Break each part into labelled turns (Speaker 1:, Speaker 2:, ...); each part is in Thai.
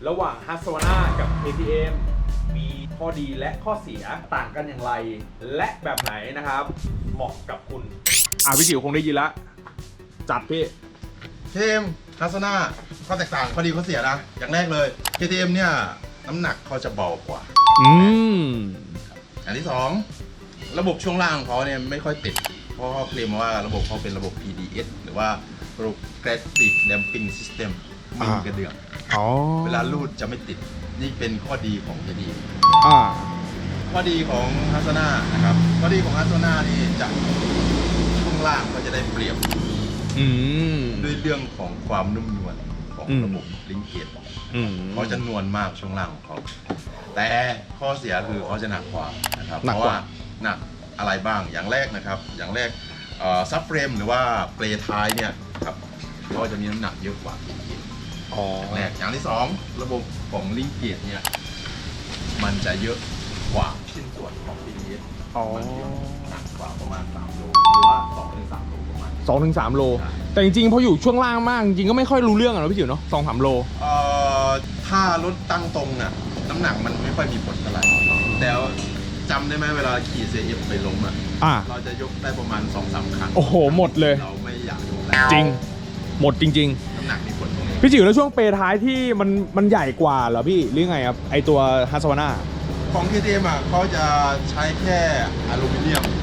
Speaker 1: ระหว่าง Husqvarna กับ KTM มีข้อดีและข้อเสียต่างกันอย่างไร และแบบไหนนะครับเหมาะกับคุณพี่จิ๋วคงได้ยินละจัดพี่
Speaker 2: KTM Husqvarna ข้อแตกต่างข้อดีข้อเสียนะอย่างแรกเลย KTM เนี่ยน้ำหนักเขาจะเบากว่าอันที่ 2ระบบช่วงล่างของเขาเนี่ยไม่ค่อยติดเพราะเขาเคลมว่าระบบเขาเป็นระบบ PDS หรือว่า Progressive Damping System ไม่มีกระเดื่องเวลาลูดจะไม่ติดนี่เป็นข้อดีของ KTM ข้อดีของ Husqvarna นะครับข้อดีของ Husqvarna นี่จะช่วงล่างก็จะได้เปรียบด้วยเรื่องของความนุ่มนวลของระบบลิงเกตเขาจะนวลมากช่วงล่างของเขาแต่ข้อเสียคือเขาจะหนักกว่านะครับเพราะว่าหนักอะไรบ้างอย่างแรกนะครับอย่างแรกซับเฟรมหรือว่าเปลท้ายเนี่ยครับเขาจะมีน้ำหนักเยอะกว่าลิงเกตอย่างแรกอย่างที่ 2ระบบของลิงเกตเนี่ยมันจะเยอะกว่าชิ้นส่วนของ PDS มันเยอะหนักกว่าประมาณ3 โลหรือว่า2-3 โลประมาณ
Speaker 1: 2-3 โลแต่จริงๆพออยู่ช่วงล่างมากจริงๆก็ไม่ค่อยรู้เรื่องอะพี่จิ๋วเนาะ2-3 โล
Speaker 2: ถ้ารถตั้งตรงน่ะน้ำหนักมันไม่ค่อยมีผลเท่าไหร่แต่จำได้ไหมเวลาขี่ CF ไปล้มเราจะยกได้ประมาณ 2-3 ครั้ง
Speaker 1: โอ้โหหมดเลย
Speaker 2: เราไม่อยากยกแล้ว
Speaker 1: จริงหมดจริง
Speaker 2: ๆน้ำหนักมีผลตรงนี้
Speaker 1: พี่จิ๋วแล้วช่วงเปรท้ายที่มันใหญ่กว่าเหรอพี่หรือไงครับไอตัว Husqvarna
Speaker 2: ของ KTM เขาจะใช้แค่อลูมิเนียม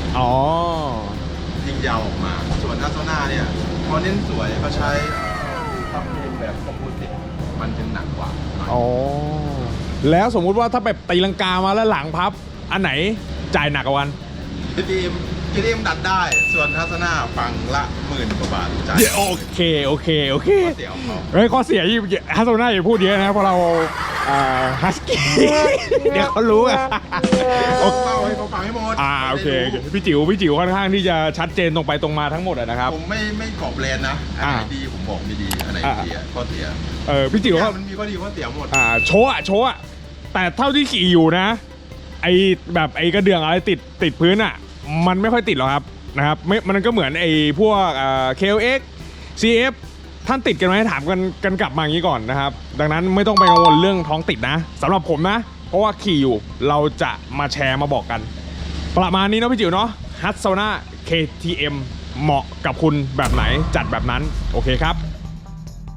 Speaker 2: ยิงยาวออกมาส่วน Husqvarna เนี่ยเขาเน้นสวยเขาใช้ทับเฟรมแบบคอมโพสิตมันจะหนักกว่า
Speaker 1: แล้วสมมุติว่าถ้าแบบตีลังกามาแล้วหลังพับอันไหนจ่ายหนักกว่ากัน
Speaker 2: KTM ดัดได้ส่วน Husqvarna ฝั่งละ10,000 กว่าบาทจ่าย
Speaker 1: โอเคข้อเสียที่ Husqvarna อย่าพูดเยอะนะเพราะเราฮัสกี้เดี๋ยวเขารู้
Speaker 2: ให้เขาฟังให้หมด
Speaker 1: โอเคพี่จิ๋วค่อนข้างที่จะชัดเจนตรงไปตรงมาทั้งหมดนะครับ
Speaker 2: ผมไม่กรอบแบรนด์นะอันไหนดีผมบอกไม่ดีอันไหนเสียข้อเสีย
Speaker 1: พี่จิ๋ว
Speaker 2: มันมีข้อดีข้อเสียหมด
Speaker 1: โชว์แต่เท่าที่ขี่อยู่นะไอแบบไอกระเดื่องอะไรติดพื้นมันไม่ค่อยติดหรอกครับนะครับมันก็เหมือนไอพวกKLX CF ท่านติดกันไหมถามกันกลับมาอย่างนี้ก่อนนะครับดังนั้นไม่ต้องไปกังวลเรื่องท้องติดนะสำหรับผมนะเพราะว่าขี่อยู่เราจะมาแชร์มาบอกกันประมาณนี้เนาะพี่จิ๋วเนาะ Husqvarna KTM เหมาะกับคุณแบบไหนจัดแบบนั้นโอเคครับ